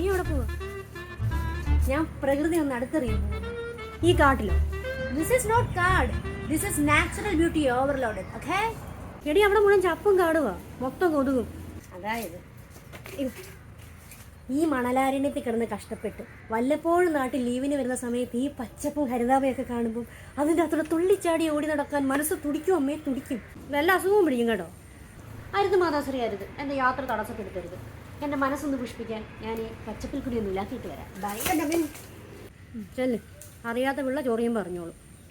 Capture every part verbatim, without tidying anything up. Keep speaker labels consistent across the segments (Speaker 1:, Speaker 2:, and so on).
Speaker 1: എവിടെ പോവാ? ഞാൻ പ്രകൃതി ഒന്ന് അടുത്തെറിയാൻ പോവാ. ഈ കാട്ടിലോ?
Speaker 2: This is not കാട്. This is natural beauty overloaded. Okay?
Speaker 1: എടി അവിടെ മുഴുവൻ ചപ്പും കാടുവാ, മൊത്തം കൊതുകും.
Speaker 2: അതായത്
Speaker 1: ഈ മണലാരണ്യത്തിൽ കിടന്ന് കഷ്ടപ്പെട്ട് വല്ലപ്പോഴും നാട്ടിൽ ലീവിന് വരുന്ന സമയത്ത് ഈ പച്ചപ്പും ഹരിതാപയൊക്കെ കാണുമ്പോൾ അതിൻ്റെ അത്ര തുള്ളിച്ചാടി ഓടി നടക്കാൻ മനസ്സ് തുടിക്കും അമ്മേ, തുടിക്കും. വല്ല അസുഖവും പിടിക്കും കേട്ടോ. അരുത് മാതാശ്രീ, അരുത്. എൻ്റെ യാത്ര തടസ്സപ്പെടുത്തരുത്. എൻ്റെ മനസ്സൊന്ന് പുഷ്പിക്കാൻ ഞാൻ ഈ പച്ചപ്പിൽ കൂടി ഒന്നും ഇല്ലാക്കിയിട്ട് വരാം.
Speaker 2: ഭയങ്കര
Speaker 1: ചെല്ല്, അറിയാത്ത പിള്ള ചോറിയും പറഞ്ഞോളൂ.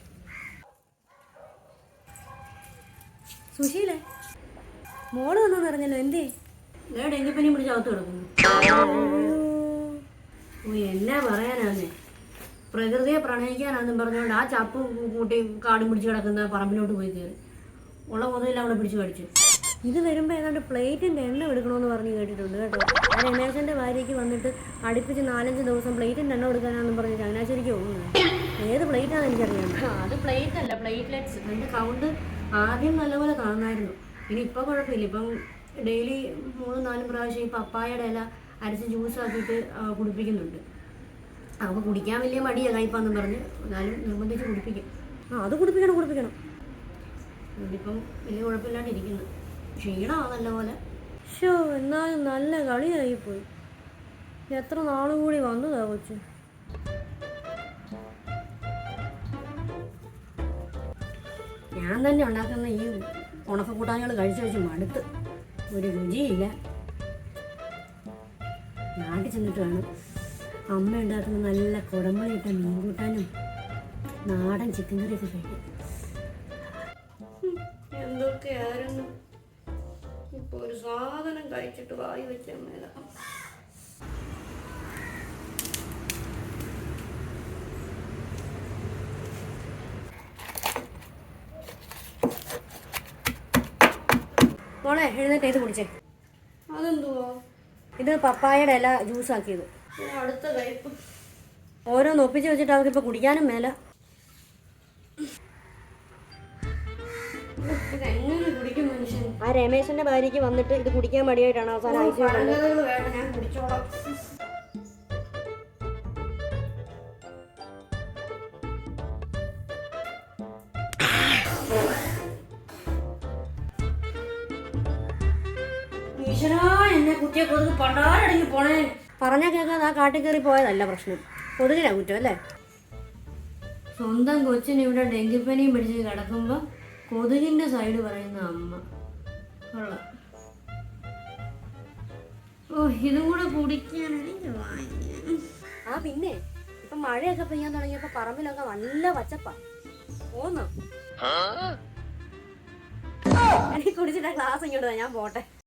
Speaker 1: സുശീലേ, മോള് വന്നോന്ന് അറിഞ്ഞല്ലോ, എന്തേ? ഡെങ്കിപ്പനി പിടിച്ച് അകത്ത് കിടക്കുന്നു. ഓ, എന്നാ പറയാനാന്നേ, പ്രകൃതിയെ പ്രണയിക്കാനാന്നും പറഞ്ഞുകൊണ്ട് ആ ചപ്പ് കൂട്ടി കാടും പിടിച്ച് കിടക്കുന്ന പറമ്പിലോട്ട് പോയി കയറി ഉള്ള മുതലെല്ലാം അവിടെ പിടിച്ച് കടിച്ചു. ഇത് വരുമ്പോൾ ഏതാണ്ട് പ്ലേറ്റിൻ്റെ എണ്ണം എടുക്കണമെന്ന് പറഞ്ഞ് കേട്ടിട്ടുണ്ട് കേട്ടോ. ആ രമേശൻ്റെ ഭാര്യയ്ക്ക് വന്നിട്ട് അടുപ്പിച്ച് നാലഞ്ച് ദിവസം പ്ലേറ്റിൻ്റെ എണ്ണം എടുക്കാനാണെന്ന് പറഞ്ഞ് ചങ്ങനാശ്ശേരിക്ക് പോകുന്നത്. ഏത് പ്ലേറ്റാണെന്ന് എനിക്കറിയാം. അത് പ്ലേറ്റ് അല്ല, പ്ലേറ്റ്ലെറ്റ്സ്. അതിൻ്റെ കൗണ്ട് ആദ്യം നല്ലപോലെ കാണുമായിരുന്നു. ഇനി ഇപ്പം കുഴപ്പമില്ല. ഇപ്പം ഡെയിലി മൂന്നും നാലും പ്രാവശ്യം ഈ പപ്പായയുടെ ഇല അരച്ച് ജ്യൂസാക്കിയിട്ട് കുടിപ്പിക്കുന്നുണ്ട്. അപ്പോൾ കുടിക്കാൻ വലിയ മടിയല്ല ഇപ്പം പറഞ്ഞ്, എന്നാലും നിർബന്ധിച്ച് കുടിപ്പിക്കും. ആ, അത് കുടിപ്പിക്കണം കുടിപ്പിക്കണം. ഇതിപ്പം വലിയ കുഴപ്പമില്ലാണ്ടിരിക്കുന്നു. ക്ഷീണമാണ് നല്ലപോലെ. ഷോ, എന്നാലും നല്ല കളിയായിപ്പോയി. എത്ര നാളും കൂടി വന്നതാ കൊച്ചു. ഞാൻ തന്നെ ഉണ്ടാക്കുന്ന ഈ ഉണക്കക്കൂട്ടാനുകൾ കഴിച്ച് കഴിച്ച് മടുത്ത്, ഒരു രുചിയില്ല. നാട്ടിൽ ചെന്നിട്ട് വേണം അമ്മ ഉണ്ടാക്കുന്ന നല്ല കുടമ്പളിയിട്ട മീൻ കൂട്ടാനും നാടൻ ചിക്കൻ കറിയൊക്കെ കഴിക്കും. എന്തൊക്കെയായിരുന്നു ഇപ്പോൾ ഒരു സാധനം കഴിച്ചിട്ട് വായി വെച്ച മേല. മോളെ, എഴുന്നേറ്റ് ഇത് കുടിച്ചേ. അതെന്തുവാ? ഇത് പപ്പായയുടെ ഇല ജ്യൂസാക്കിയത്. അടുത്ത കഴിപ്പ് ഓരോന്ന് ഒപ്പിച്ച് വെച്ചിട്ട് അവർക്കിപ്പോൾ കുടിക്കാനും മേല. എങ്ങനെ കുടിക്കും മനുഷ്യൻ? ആ രമേശന്റെ ഭാര്യയ്ക്ക് വന്നിട്ട് ഇത് കുടിക്കാൻ മടിയായിട്ടാണ് അവസാനം അയച്ചു. ഞാൻ കുടിച്ചോളാം. എന്നെ കുത്തിയ കൊതുക് പണ്ടാരടങ്ങി പോണേ. പറഞ്ഞാൽ കേൾക്കാതെ ആ കാട്ടിൽ കയറി പോയതല്ല പ്രശ്നം, കൊതുകിനാ കുറ്റം അല്ലേ? സ്വന്തം കൊച്ചിന് ഇവിടെ ഡെങ്കിപ്പനിയും പിടിച്ച് കിടക്കുമ്പോൾ കൊതുകിന്റെ സൈഡ് പറയുന്ന അമ്മ കൊള്ളാം. ഓ, ഇതും കൂടെ കുടിക്കാനാണെങ്കിൽ. ആ, പിന്നെ ഇപ്പൊ മഴയൊക്കെ പെയ്യാൻ തുടങ്ങിയപ്പോ പറമ്പിലൊക്കെ നല്ല പച്ചപ്പാ. പോന്നോ? എനിക്ക് കുടിച്ചിട്ട് ക്ലാസ് ഇങ്ങോട്ട്, ഞാൻ പോട്ടെ.